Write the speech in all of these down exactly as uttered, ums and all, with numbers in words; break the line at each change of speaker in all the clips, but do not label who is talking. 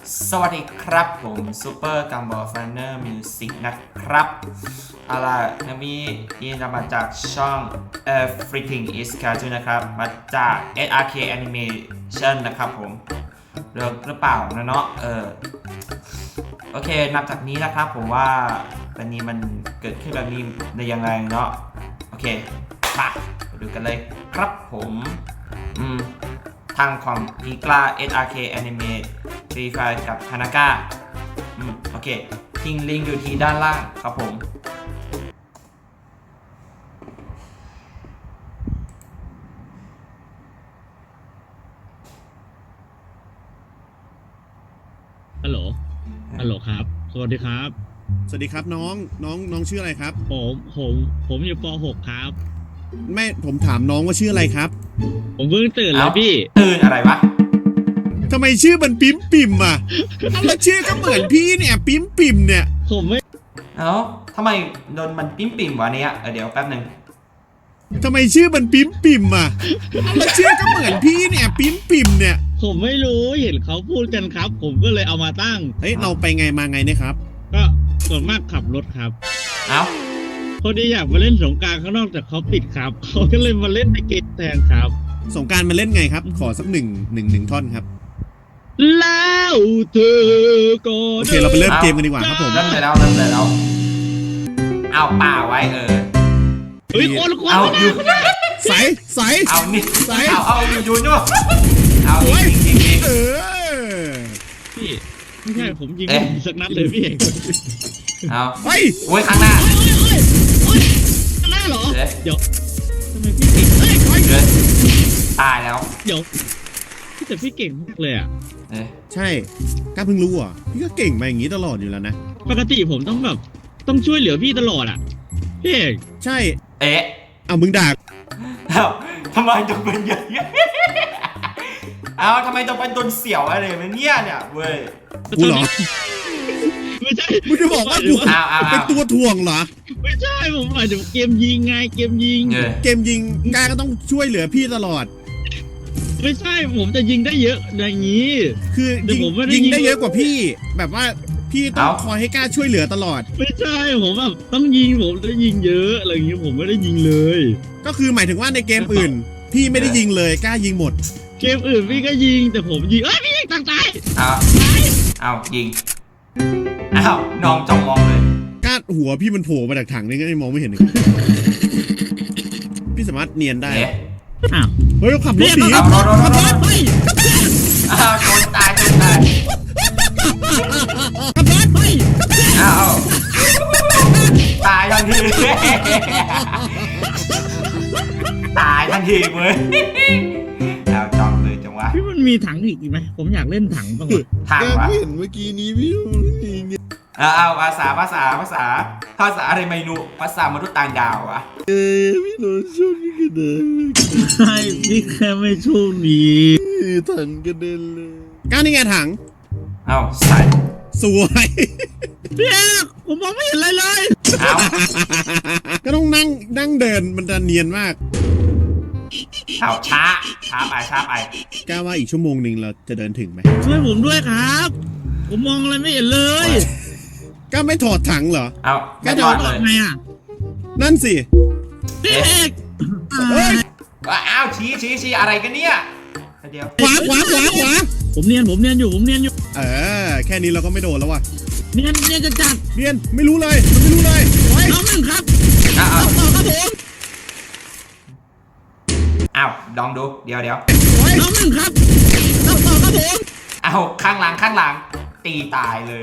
สวัสดีครับผมซูเปอร์กัมบอลฟันเนอร์มิวสิกนะครับเอาล่ะนมียินดีมาจากช่อง Everything is Cartoon นะครับมาจาก เอส อาร์ เค Animation นะครับผมเลิกหรือเปล่านะเนาะเออโอเคนับจากนี้นะครับผมว่าวันนี้มันเกิดขึ้นแบบนี้ได้ยังไงเนาะโอเคมาดูกันเลยครับผมอืมทางของอีกลา เอส อาร์ เค Anime ฟรีไฟล์กับฮานาก้าอืมโอเคทิ้งลิงก์อยู่ที่ด้านล่างครับผม
ฮัลโหล ฮัลโหลครับ สวัสดีครับ
สวัสดีครับน้อง น้องน้องชื่ออะไรครับ
ผม ผม ผมอยู่ป หก ครับ
ไม่ผมถามน้องว่าชื่ออะไรครับ
ผมเพิ่งตื่นแล้วพี่
ตื่นอะไรวะ
ทำไมชื่อมันปิ๊มปิ่มอ่ะเอาแล้วชื่อก็เหมือนพี่เนี่ยปิ๊มปิ่มเนี่ย
ผมไม่
เอ้าทำไมโดนมันปิ้มปิ่มวะเนี่ยเออเดี๋ยวแป๊บหนึ่ง
ทำไมชื่อมันปิ๊มปิ่มอ่ะเอาแล้วชื่อก็เหมือนพี่เนี่ยปิ๊มปิ่มเนี่ย
ผมไม่รู้เห็นเขาพูดกันครับ ผมก็เลยเอามาตั้ง
เฮ้ยเราไปไงมาไงเนี่ยครับ
ก็ส่วนมากขับรถครับ
เอ้า
พอดีอยากมาเล่นสงกรานต์ข้างนอกแต่เขาปิดครับ เขาก็เลยมาเล่นในเกมแทนครับ
สงกรานต์มาเล่นไงครับ ขอสักหนึ่งหนึ่งหนึ่งท่อนครับ
แล้วเธอก็
โอเคเราไปเริ่มเกมกันดีกว่าครับผม
เริ่มเลยแล้วเริ่มเลยแล้วเอาป่าไว้เออ
เฮ้ยคนคน
เอาอยู่
ใสใส
เอานี่
ใส่
เอาเอาอยู่อยู่นู่นเอา
โอ้ย
จริงจริง
เออ
พี่ไม่ใช่ผมยิง
เอ๊ะ
สักนัดเลยพี่
เอา
เฮ้ย
โอ้ยข้างหน้า
ข้างหน้าเหรอ
เอ๊ะ
เดี๋ยวทำไมพี่เก่งเฮ้ย
เดี๋ยวตายแล้ว
เดี๋ยวพี่แต่พี่เก่งมากเลยอ่ะ
เอ๊ะ
ใช่กล้าเพิ่งรู้อ่ะพี่ก็เก่งมาอย่างนี้ตลอดอยู่แล้วนะ
ปกติผมต้องแบบต้องช่วยเหลือพี่ตลอดอ่ะพี่เอก
ใช่
เอ๊ะ
เอามึงด่า
เอาทำไมต้องเป็นอย่างนี้เอาทำไมต้องเป็นตัวเสี่ยวอะไรแบบเนี้ยเนี่ยเว้ย
กูเหรอ
ไม่ใช่
มึงจะบอกว่ากู
เอาเอาเอา
เป็นตัวถ่วงเหรอ
ไม่ใช่ผมหมายถึงเกมยิงไงเกมยิง
เออ
เกมยิงกล้าก็ต้องช่วยเหลือพี่ตลอด
ไม่ใช่ผมจะยิงได้เยอะอย่างนี้
คือ
แต่
ยิง
ผมไม่ได้
ยิง
ยิง
ได้เยอะกว่าพี่ แบบว่าพี่ต้อง
เอ้า
คอยให้กล้าช่วยเหลือตลอด
ไม่ใช่ผมแบบต้องยิงผมจะยิงเยอะอะไรอย่างนี้ผมไม่ได้ยิงเลย
ก็คือหมายถึงว่าในเกมอื่น พี่ไม่ได้ยิงเลยกล้ายิงหมด
เกมอื่นพี่ก็ยิงแต่ผมยิงเอ้ยพี่ยิงต่างตาย
เอาเอายิงเอาน้องจองมองเลย
กล้าหัวพี่มันโผล่มาจากถังนี่ก็มองไม่เห็นเลยพี่สามารถเนียนได้
เอ๊ะ
อ้าว
เฮ้ยเขาขับรถหนี
เอารถรถรถรถ
เฮ้ย
อ้าวโดนตายโดนตาย
ขับรถเฮ้ย
อ้าวตายทันทีตายทันทีเว้ยเอาจองเลยจังวะ
พี่มันมีถังอีกไหมผมอยากเล่นถังบ้างว่ะ
ทางวะ
เห็นเมื่อกี้นี้พี่
เอาเอาภาษาภาษาภาษาภาษาอะไรไม่รู้ภาษามนุษย์ต่างดาวอะ
เออพี่โดนช่วงนี้กระเด็น
ใช่พี่แค่ไม่โชคดี
ถังกระเด็นเลยกล้านี่ไงถัง
เอาใส่
สวย
พี่เอกผมมองไม่เห็นอะไรเลย
เอา
ก็ต้องนั่งนั่งเดินมันจะเนียนมาก
เอาช้าช้าไปช้าไป
กล้าว่าอีกชั่วโมงหนึ่งเราจะเดินถึงไหม
ช่วยผมด้วยครับ ผมมองอะไรไม่เห็นเลย
กล้าไม่ถอดถังเหรอ
เอา
แค่
ไม่
เดิ
รอน ดเลย
ไงอ่ะ
นั่นสิ
พี่เอก
เฮ้ย
อ้าวชี้ชี้ชี้อะไรกันเนี่ยเดี๋ยว
ขวาขวาขวาขวา
ผมเนียนผมเนียนอยู่ผมเนียนอยู่
เออแค่นี้เราก็ไม่โดนแล้วว่ะ
เนียนเนียนจะจัด
เรียนไม่รู้เลยมันไม่รู้เลยโอ้ย
น้องหนึ่งครับ
อ้าว
ต่อครับผม
อ้าวลองดูเดี๋ยวเดี๋ยว
โอ้ย
น้องหนึ่งครับต่อครับผม
เอาข้างหลังข้างหลังตีตายเลย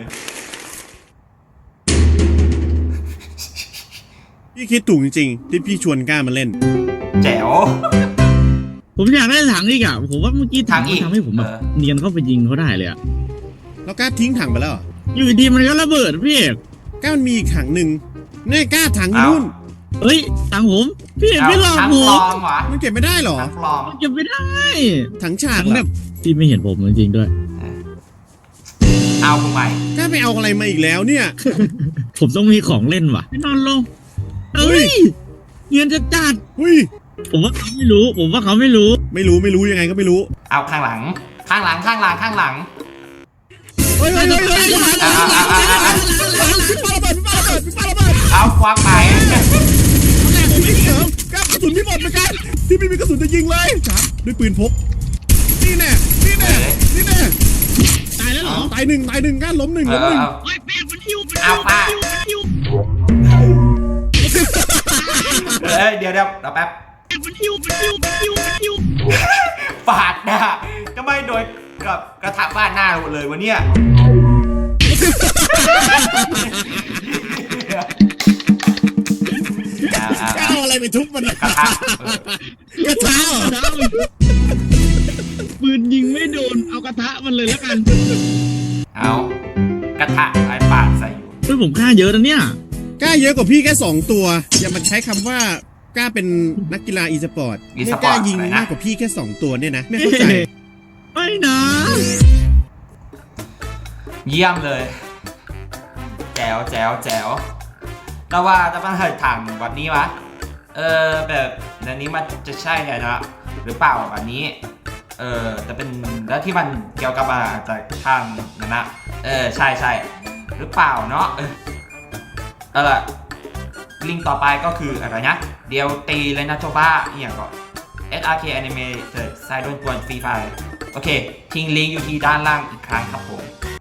พี่คิดถูกจริงๆที่พี่ชวนกล้ามาเล่น
แจ๋ว
ผมอยากได้ถังอีกอ่ะผมว่าเมื่อกี้ถัง
ถังอีก
มันทำให้ผมแบบ
เออ
เนียนเข้าไปยิงเขาได้เลยอ่ะ
แล้วกล้าทิ้งถังไปแล้วเหรอ
อยู่ดีมันก็ระเบิดพี่เอก
กล้ามันมีอีกถังหนึ่งนี่กล้าถังอยู่
เอ้า
นู่น
เฮ้ยถังผมพี่เอก
เอา
ไม่หลอก
ทั้ง
ผ
ปล
ม
อมวะ
มันเก็บไม่ได้เหรอ
ทั้งปลอม
มันจะไม่ได้
ถังฉาก
ถัง
เหร
แบ
อบ
พี่ไม่เห็นผมจริงๆด้วย
เอาผมใหม่
กล้าไปเอาอะไรมาอีกแล้วเนี่ย
ผมต้องมีของเล่นว่ะนอนลง
เฮ้
เฮ้
ย
ยเงียนจะจัด
เฮ้ย
ผมว่าเขาไม่รู้ ผมว่าเขาไม่รู้
ไม่รู้ไม่รู้ยังไงก็ไม่รู้
เอาข้างหลัง ข้างหลังข้างหลังข้างหลัง
เฮ้ยเฮ้ยเฮ้ยเฮ้ยมาแล้วมาแล้วมาแล้วมาแล้วพี่ปาระเบิดพี่ปาระเบิดพี่ปาระเบิด
เอาควักไป
พี่เสริมกระสุนพี่หมดเหมือนกันพี่ไม่มีกระสุนจะยิงเลยครับด้วยปืนพกนี่แน่นี่แน่นี่แน่
ตายแล้วเหรอ
ตายหนึ่งตายหนึ่งก้านล้มหนึ่ง
เอ
ล้มหนึ่ง
อเอา
โอ้ยแป้งมันหิวมัน
เอาไป
มันหิว
เอ้ยเดี๋ยวเดี๋ยวเราแป๊บ
แป้งมันหิวมันหิวมันหิวมันหิว
ปาดหน้าก็ไม่โดยกับกระทะบ้านหน้าหมดเลยวะเนี่ยเอาเอา
ก้า
เอา
วอะไรไปทุบมัน
กระทะเออก
ระทะเหรอ
น้ปืนยิงไม่โดนเอากระทะมันเลยแล้วกัน
เอากระทะไอ้ปาดใส่อยู่
เฮ้ยผมฆ่าเยอะนะเนี่ย
กล้าเยอะกว่าพี่แค่สองตัวอย่ามาใช้คำว่ากล้าเป็นนักกีฬาอีสปอร์ตไม่กล้ายิงมากกว่าพี่แค่สองตัวเนี่ยนะไม่เข้าใจ
ไม่นะ
เยี่ยมเลย แจ๋วแจ๋วแจ๋วแต่ว่าจะมาให้ถามวันนี้วะเออแบบในนี้มันจะใช่เลยนะหรือเปล่าวันนี้เออแต่เป็นแล้วที่มันเกี่ยวกับมาจากทางนั้นนะเออใช่ใช่หรือเปล่าเนาะเออเอาล่ะลิงก์ต่อไปก็คืออะไรนะเดียวตีเลยนะโจบ้าอย่างก็ เอส อาร์ เค Animated ไซด์โดนกวนฟรีไฟโอเคทิ้งลิงก์อยู่ที่ด้านล่างอีกครั้งครับผม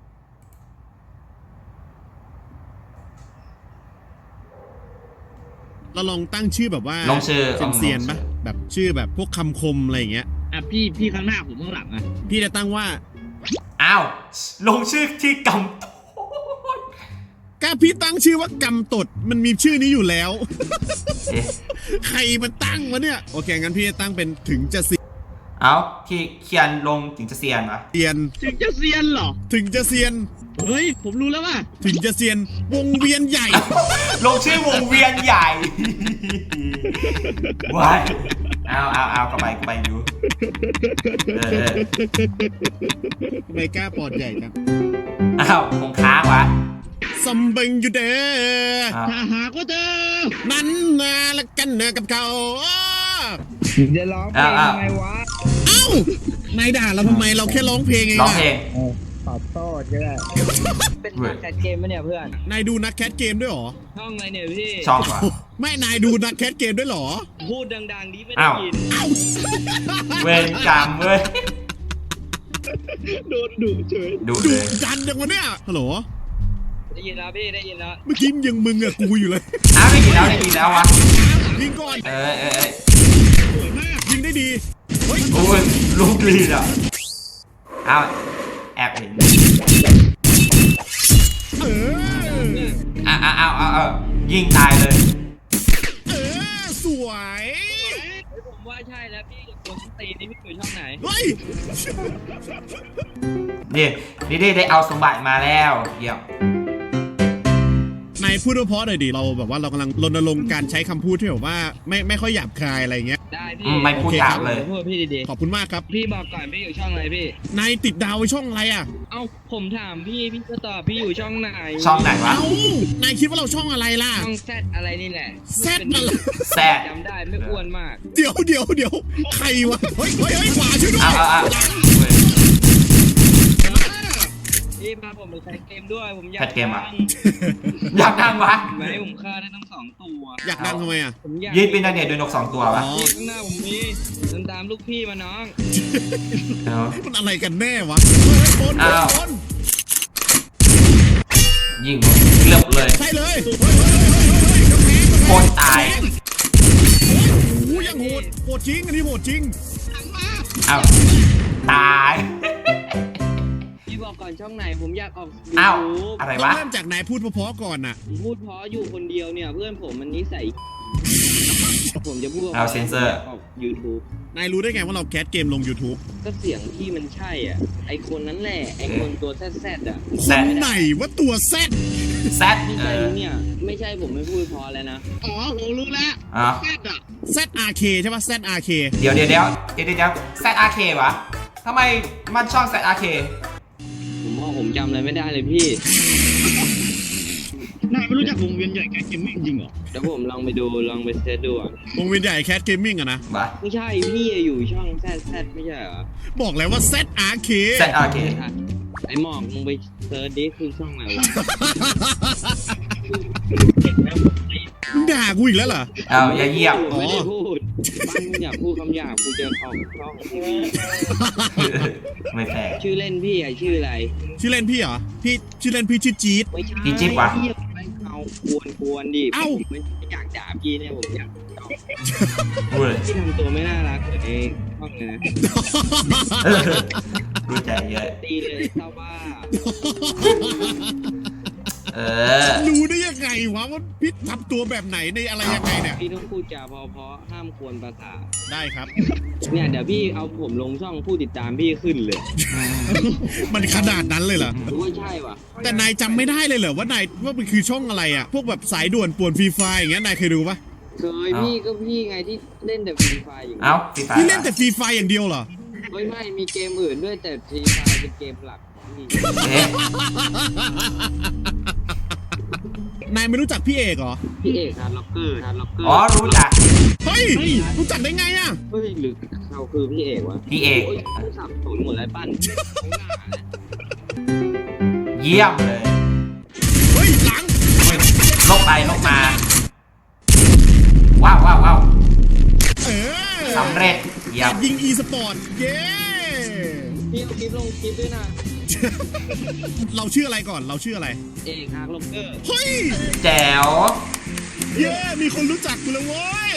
เราลองตั้งชื่อแบบว่า
ลงชื่อ
เซียนๆปะแบบชื่อแบบพวกคำคมอะไรอย่างเงี้ย
อ่ะพี่พี่ข้างหน้าผมข้างหลังอ่ะ
พี่จะตั้งว่า
อ้าวลงชื่อที่กำ
กล้าพี่ตั้งชื่อว่ากำตดมันมีชื่อนี้อยู่แล้ว
เอ๊ะ
ใครมันตั้งวะเนี่ยโอเคงั้นพี่จะตั้งเป็นถึงจะเซี
เอาที่เขียนลงถึงจะเซียนปะ
ยน
ถึงจะเซียนเหรอ
ถึงจะเซียน
เฮ้ยผมรู้แล้วว่ะ
ถึงจะเซียนวงเวียนใหญ่
ลงชื่อวงเวียนใหญ่ ว้ายเอาเอาเอาเข้าไปเข้าไปอยู่เออเออ
ทำไมกล้าปอดใหญ่จัง
อ้าวคงค้างวะ
ซัมเบิงอยู่เด้อ
อ้าว
ถ้าหากว่าเจอ
นั้นนาละกันเนอกับเขา
จะร้องเพลงยังไงวะ
เอ้านายด่าเราทำไมเราแค่ร้องเพลงเอง
ร้อง
อะ
เพลง
ขอโทษก็ได้เป็นนักแคสเกมปะเนี่ยเพื่อน
นายดูนักแคทเกมด้วยเหรอ
ช่องอะไรเนี่ยพี่
ช่องวะ
ไม่นายดูนักแคทเกมด้วยเหรอ
พูดดังๆดิไม่ได้
อ้าว
ยิน
เวรกรรมเว้ย
โดนดุเฉย
ดู
ดู
เลย
ดันจังวะเนี่ยฮัลโหล
ได้ยินแล้วพี่ได้ยินแล้ว
เมื่อกี้ยังมึงอะกูอยู่เลย
อ้าวได้ยินแล้วได้ยินแล้ววะ
ยิงก่อน
เออเออเออ
สวยมากยิงได้ดีเฮ้ย
โอ้ยลูกลีดอ่ะอ้าวแอบเห็น
เออ
อ้าวอ้าวอ้าวอ้าวอ้าวยิงตายเลย
เออสวย
ผมว่าใช่แล้วพี่คนตีนี่พี่อยู่ช่องไหน
เฮ้ย
นี่นี่ได้ได้เอาสมบัติมาแล้วเยี่ยม
นายพูดเพราะหน่อยดิเราแบบว่าเรากำลังรณรงค์การใช้คำพูดที่แบบว่าไม่ไม่ค่อยหยาบคายอะไรเงี้ย
ได้
อื
พี่
มไม่พูด
โอเค
ยากเลย
พูดพี่ดี
ขอบคุณมากครับ
ๆพี่บอกก่อนพี่อยู่ช่องไหนพี่
นายติดดาวไว้ช่องอะไรอ่ะ
เอ้าผมถามพี่พี่ก็ตอบพี่อยู่ช่องไหน
ช่องไหนวะ
เอ้านายคิดว่าเราช่องอะไรล่ะ
ช่องแซดอะไรนี่แหละ
แซดมาละ
แซด
จำได้ไม่อ้วนมาก
เดี๋ยวเดี๋ยวเดี๋ยวใครวะเฮ้ยเฮ้ยเฮ้ยขวาช่วยด้วย
อ้าวอ้าวอ้าวเว้ย
พี่พาผมไปแคสเกมด้วยผมอยาก
แคสเกมอะ
ดัง
อยากดังวะ
ไม่ให้ผมฆ่าได้ทั้งสองตัว
อยากดังทำไมอ่ะ
ผมอยาก
ยืนเป็นนักเรียนด้วยนกสองตัววะ
อ๋อ
นี่ข้างหน้าผมมีเดินตามลูกพี่มาน้อง
เอา
มันอะไรกันแน่วะเฮ้ยคน
อ้าว
คน
ยิงเลือบเลย
ใช่เลยเฮ้ยเฮ้ยเฮ้ยเฮ้ยกำแพง
โคตรตาย
โอ้ยยังโหดโหดจริงอันนี้โหดจริง
อ้าวตาย
พี่บอกก่อนช่องไหนผมอยากออก
อ้าว
ยูทูบ
อะไร
ต้อง
วะ
เริ่มจากนายพูดเพราะๆก่อนน่ะ
ผมพูดเพราะอยู่คนเดียวเนี่ยเพื่อนผมมันนิสัยผมจะพูด
เอาเซ็นเซอร์
ออก YouTube
นายรู้ได้ไงว่าเราแคสเกมลง YouTube
ก็เสียงที่มันใช่อ่ะไอคนนั้นแหละไอคนตัวแซดๆอ่ะ
แซ
ค
ด
นไหนว่าตัวแซด
แซด
ไม่
เอ
ใช่
อ
เนี่ยไม่ใช่ผมไม่พูดเพอแล้วนะ
อ๋อผมรู้แล้ว
อ๋อ
แซดอ่ะ
แซดอาร์เคใช่ป่ะแซดอาร์เค
เดี๋ยวเดี๋ยวเดี๋ยวเดี๋ยวเดี๋ยวแซดอาร์เควะทำไมมันช่องแซดอาร์เค
ผมว่าผมจำอะไรไม่ได้เลยพี่
นายไม่รู้จักวงเวียนใหญ่แกเกมมิ่งจริงเหรอ
เดี๋ยวผมลองไปดูลองไปเซตดูอ่ะ
วงเวียนใหญ่แคสเกมมิ่งอะนะ
วะ
ไม่ใช่พี่อยู่ช่องแซดแซดไม่ใช่เหรอ
บอกแล้วว่าแซดอาร์เค
แซดอาร์เค
ไอหมอกมึงไปเซิร์ชดิคือช่องอะไรวะ
มึงด่ากูอีกแล้วเหรอ
เอาอย่าเหยียบ
ผมไม่ได้พูดบ้านมึงอยากพูดคำหยาบกูจะออกช่องทีวี
ไม่แฟร์
ชื่อเล่นพี่อะชื่ออะไร
ชื่อเล่นพี่เหรอ พี่ชื่อเล่นพี่ชื่อจี๊ด
ไม่ใช่
พี่จิ๊บวะ
เหี้ยไม่เอากวนกวนดิ
เอ้า
ผมไม่อยากด่าพี่เนี่ยผมอยาก
พูดเลย
พี่ทำตัวไม่น่ารักเลยในช่องเลยนะ
รู้ใจเยอะ
ตีเลยเศร้าว่า
เออ
รู้ได้ยังไงวะว่าพี่ทำตัวแบบไหนในอะไรยังไงเนี่ย
พี่ต้องพูดจาเพราะๆห้ามกวนประสาท
ได้ครับ
เนี่ยเดี๋ยวพี่เอาผมลงช่องผู้ติดตามพี่ขึ้นเลย
มันขนาดนั้นเลยเหรอ
ไม่ใช่ว่ะ
แต่นายจำไม่ได้เลยเหรอว่านายว่ามันคือช่องอะไรอ่ะ พวกแบบสายด่วนป่วนฟรีไฟร์อย่างเงี้ยนายเคยดูปะ
เคยพี่ก็พี่ไงที่เล่นแต่ฟรีไฟอยู่
เอ้าพี่ตาย
พี่เล่นแต่ฟรีไฟร์อย่างเดียวเหรอ
ไม่ไม่มีเกมอื่นด้วยแต่ฟรีไฟเป็นเกมหลักพี่
เอ๊ะ
นายไม่รู้จักพี่เอกเหรอ
พี่เอกฮาร์ดล็อกเกอร์ฮาร์ดล็อกเกอร์
อ๋อรู้จัก
เฮ้ย รู้จักได้ไงอ่ะ
เฮ้ยหรือเขาคือพี่เอกวะ
พี่เอก
โอ้ยผู้สับสนหมดแล้วปั้นข้างหน้านะ
เยี่ยมเลย
เฮ้ยหลัง
อุ๊ยลบไปลบมา ว้าวว้าวว้าว
เออ
สำเร็จเยี่ย
แอ
ม
ดยิงอีสปอร์ต เย้
พี่เอาคลิปลงคลิปด้วยนะ
เราชื่ออะไรก่อน เราชื่ออะไร
เอกฮาร์ดล็อกเกอร์
เฮ้ย
แจ๋ว
เย้ มีคนรู้จักกูแล้วเว้ย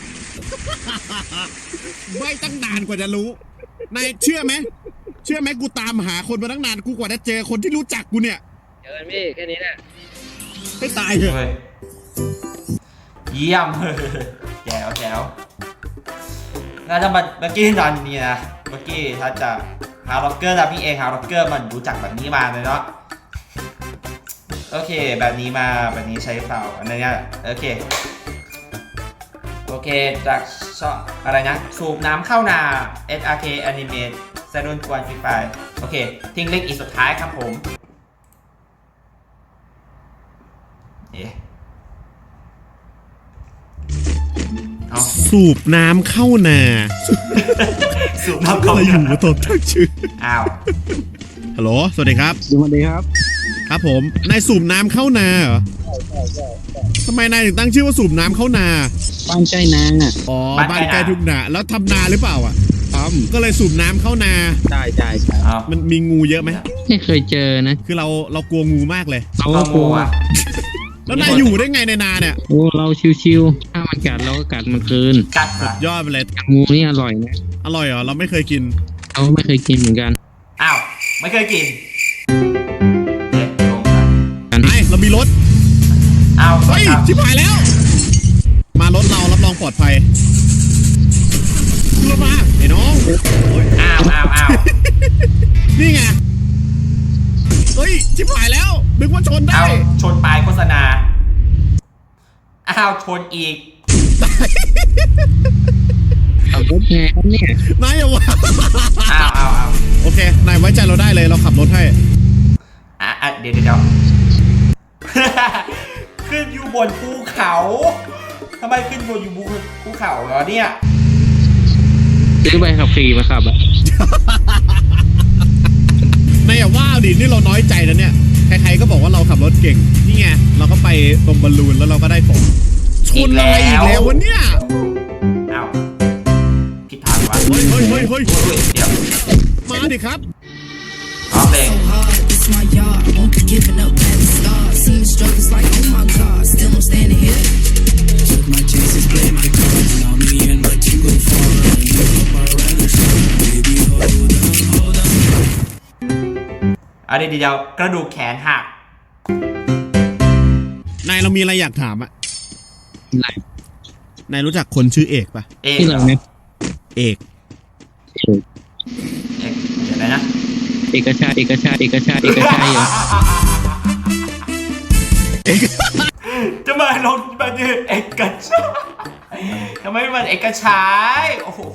ไม่ตั้งนานกว่าจะรู้ นายเชื่อไหม เชื่อไหมกูตามหาคนมาตั้งนานกูกว่าจะเจอคนที่รู้จักกูเนี่ย
เจอกันพี่แค่นี้แหละ
ให้ตายเถอะ
เฮ้ยเยี่ยม แจ๋วแจ๋วแล้วถ้ามันเมื่อกี้ตอนนี้นะ เมื่อกี้ถ้าจะฮาร์ล็อกเกอร์นะพี่เองฮาร์ล็อกเกอร์มันรู้จักแบบนี้มาเลยเนาะ โอเคแบบนี้มาแบบนี้ใช้เปล่าอันนี้โอเค โอเคจากช่องอะไรนะ สูบน้ำเข้านา เอส อาร์ เค Animate แซนด์กวนฟรีไฟโอเค ทิ้งลิงก์อีกสุดท้ายครับผม เอ๊ะเอา
สูบน้ำเข้านา
สูบน้ำเข้า
อะไรอยู่
นา
มาตอบทั้งชื่อ
อ้าว
ฮัลโหล สวัสดีครับ
สวัสดีครับ
ครับผม นายสูบน้ำเข้านาเหรอทำไมนายถึงตั้งชื่อว่าสูบน้ำเข้านา
บ้านใกล้นางอ่ะ
อ๋อ บ้านใกล้ทุ่งนา แล้วทำนาหรือเปล่าอ่ะ
ท
ก็เลยสูบน้ำเข้านา
ำใช่ใช่ใช่
อ้าว
มันมีงูเยอะไหม
ไม่เคยเจอนะ
คือเราเรากลัวงูมากเลย
เรา
ก็
ก็ก
งู
ลัว
อ่ะ
แล้วนายอยู่ได้ไงในนาเนี่ย
โอ้เราชิวๆถ้ามันกัดเราก็กัดมันคืน
กัดเหรอย
อดไปเลย
งูนี่อร่อยนะ
อร่อยเหรอ เราไม่เคยกิน
เราไม่เคยกินเหมือนกัน
อ้าว ไม่เคยกินเอ๊ะลงไป
ไอ้เรามีรถ
อ้าว
เฮ้ย
ครับ
ชิบหายแล้ว มารถเรารับรองปลอดภัยขึ้นรถมาไอ้น้อง
อ้าวอ้าวอ้าว
นี่ไง เฮ้ย ชิบหายแล้วนึกว่าชนได้
อ้าวชนปลายโฆษณา อ้าว ชนอีก
ขับรถไงครับเนี่ย
นายอย่าวะ
อ้าวอ้าวอ้าว
โอเค นายไว้ใจเราได้เลย เราขับรถให้
อ่ะอ่ะเดี๋ยวเดี๋ยวเดี๋ยว ขึ้นอยู่บนภูเขาทำไมขึ้นบนอยู่บนภูเขาเหรอเนี่ย
ซื้อใบขับขี่มาขับอะ
นายอย่าว่าดิ นี่เราน้อยใจนะเนี่ย ใครๆก็บอกว่าเราขับรถเก่ง นี่ไง เราก็ไปตรงบอลลูนแล้วเราก็ได้ของชนอะไรอีกแล้ววะเนี่ย
อ้าวผิดทางวะ
เฮ้ยเฮ้ยเฮ้ยเฮ้ย
อุ้ยเดี๋ยว
มาดิครับ
อ๋อเพลง
hard, it's my yard. Won't be giving up at the start. Seeing struggles like, oh my god, still I'm standing here. Took my chances, play my cards. Now me and my team go far. Live up our rivals. Baby, hold on, hold on.
เอาเดี๋ยวเดี๋ยวกระดูกแขนหัก
นายเรามีอะไรอยากถามอะ
อะไร
นายรู้จักคนชื่อเอกปะ
เอก
ที่
เหร
เรา
อ
เนี่ย
เอก
เอกเดี๋ยวนะนะ
เอกชาติเอกชาติเอกชาติเอกชาติเหรอ
จะมาลงมาดื้อเอกชายทำไมมันเอกชายโอ้โห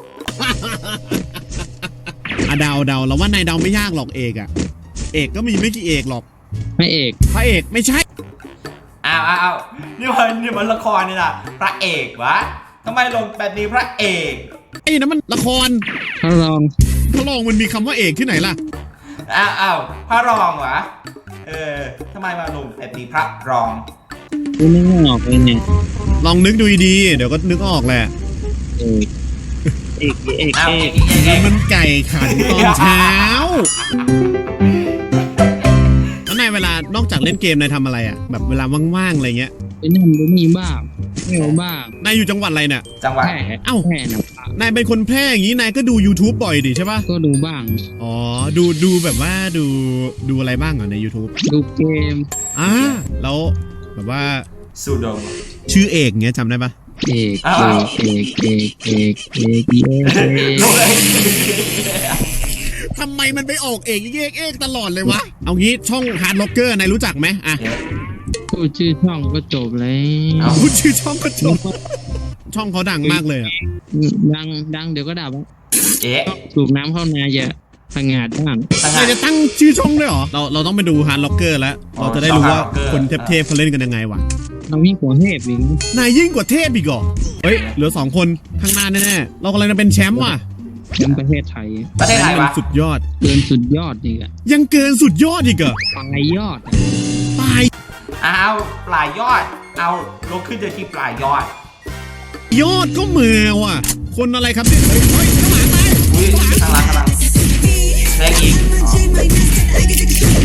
อะเดาเดาเราว่านายเดาไม่ยากหรอกเอกอะเอกก็มีไม่กี่เอกหรอก
ไม่เอก
พระเอกไม่ใช่
อ้าวอ้าวอ้าวนี่มันนี่มันละครนี่นะพระเอกวะทำไมลงแบบนี้พระเอก
ไอ้นั่นมันละคร
ถ้าลอง
ถ้าลองมันมีคำว่าเอกที่ไหนล่ะ
อ้าวอ้าวพระรองวะเออทำไมมาลงแบบนี้พระรอง
กูนึกไม่ออกเลยเนี่ย
ลองนึกดูดีๆเดี๋ยวก็นึกออกแหละ
เอกเอกเอก
อ้าว
เอ
เอก กเอกเอ
นี่
ก
มันไก่ขันตอนเช้าแล้วนายเวลานอกจากเล่นเกมนายทำอะไรอ่ะแบบเวลาว่างๆอะไรเงี้ย
ไปนั่นไปนี่บ้างไม่เอาบ้าง
นายอยู่จังหวัดอะไรเนี่ย
จังหวัด
แค่
เอ้า
แค่นะ
นายเป็นคนแพร่อย่างนี้นายก็ดู YouTube บ่อยดิใช่ปะ
ก็ดูบ้าง
อ๋อดูดูแบบว่าดูดูอะไรบ้างเหรอใน YouTube
ดูเกม
อ่าแล้วแบบว่า
สูดม
ชื่อเอกเงี้ยจำได้ปะ
เอก
อ้า
เอ
ว
กเอกเอกเอกเอกเอกเอก
ลงเลย
ทำไมมันไปออกเอกเอกเอกตลอดเลยวะ เอางี้ช่องฮาร์ดล็อกเกอร์นายรู้จักไหมอ่ะ
พูดชื่อช่องก็จบแล้
เอา
ว
พูดชื่อช่องก็จบช่องเขาดังมากเลยอ่ะ
ดังดังเดี๋ยวก็ดับอะ
เอ๊ะ
สูบน้ำเข้านาอย่าพังงาดบ้าง
ตั้ง
นายจะตั้งชื่อช่องด้วยเหรอ เราเราต้องไปดูฮาร์ดล็อกเกอร์แล้ว เราจะได้รู้ว่าคนเทพๆเขาเล่นกันยังไงวะ
เราวิ่งหัวเทพอีกนะ
นายยิ่งกว่าเทพอีกเหรอ เฮ้ย เหลือสองคนข้างหน้าแน่ๆ เรากำลังจะเป็นแชมป์ว่ะ
แชมป์ประเทศไทย
ประเทศไทย
มั
วะ
สุดยอด
เกินสุดยอดอีกอะ
ยังเกินสุดยอดอีกเหรอ
ปลายยอดอะ
ตาย
อ้าวปลายยอด เอาลงขึ้นเดินที่ปลายยอด
ยอดก็เมือว่ะ คนอะไรครับเนี่ยเฮ้ยเฮ้ยข้างหลังตาย
อุ้ยข้างหล่างข้างหล่างแทงอีกอ๋อ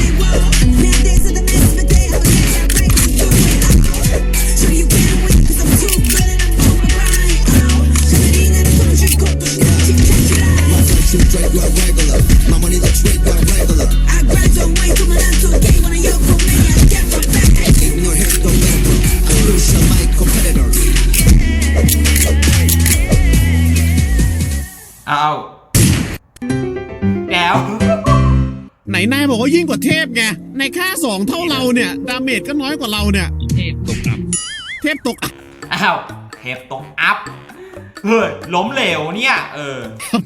เอาแล้ว
ไหนนายบอกว่ายิ่งกว่าเทพไง ในค่าสองเท่าเราเนี่ย ดาเมจก็น้อยกว่าเราเนี่ย
เทพตกอับ
เทพตกอ่ะ
อ้าวเทปตกอัพ เฮ้ย ล้มเหลวเนี่ย เออ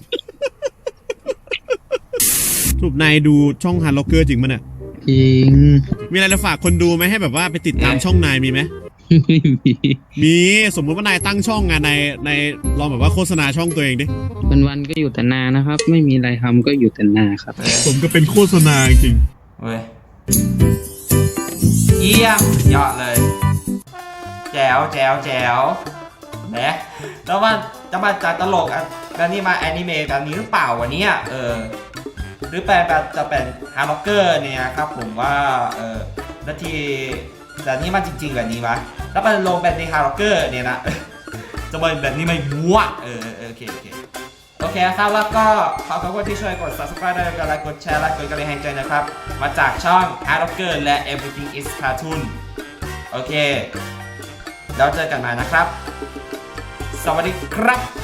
สรุปนายดูช่องฮาร์ดล็อกเกอร์จริงมั้ยเนี่ย
จริง
มีอะไรจะฝากคนดูไหมให้แบบว่าไปติดตามช่องนายมีไหม
ไม่มี
มีสมมุติว่านายตั้งช่องงานในในลองแบบว่าโฆษณาช่องตัวเองดิ
วันวันๆก็อยู่แต่นานะครับ ไม่มีอะไรทำก็อยู่แต่นาครับ
ผมก็เป็นโฆษณาจริง
เว้ย เยี่ยมยอดเลย แจ๋วแจ๋วแจ๋วนะแล้วมันจะมาจากตลกอ่ะแบบนี้มาแอนิเมะแบบนี้หรือเปล่าวะเนี่ยเออ หรือแปลแบบจะเป็นฮาร์ล็อกเกอร์เนี่ยครับผมว่าเออนาทีแต่นี่มันจริงๆแบบนี้วะแล้วมันลงแบบในฮาร์ล็อกเกอร์เนี่ยนะ จะเป็นแบบนี้ไม่มั่วเออเออโอเคโอเคโอเคครับแล้วก็ขอขอบคุณที่ช่วยกด subscribe ด้วยกันและกดแชร์และกดกระดิ่งแห่งใจนะครับมาจากช่อง ฮาร์ล็อกเกอร์ และ Everything is Cartoon โอเคแล้วเจอกันใหม่นะครับ สวัสดีครับ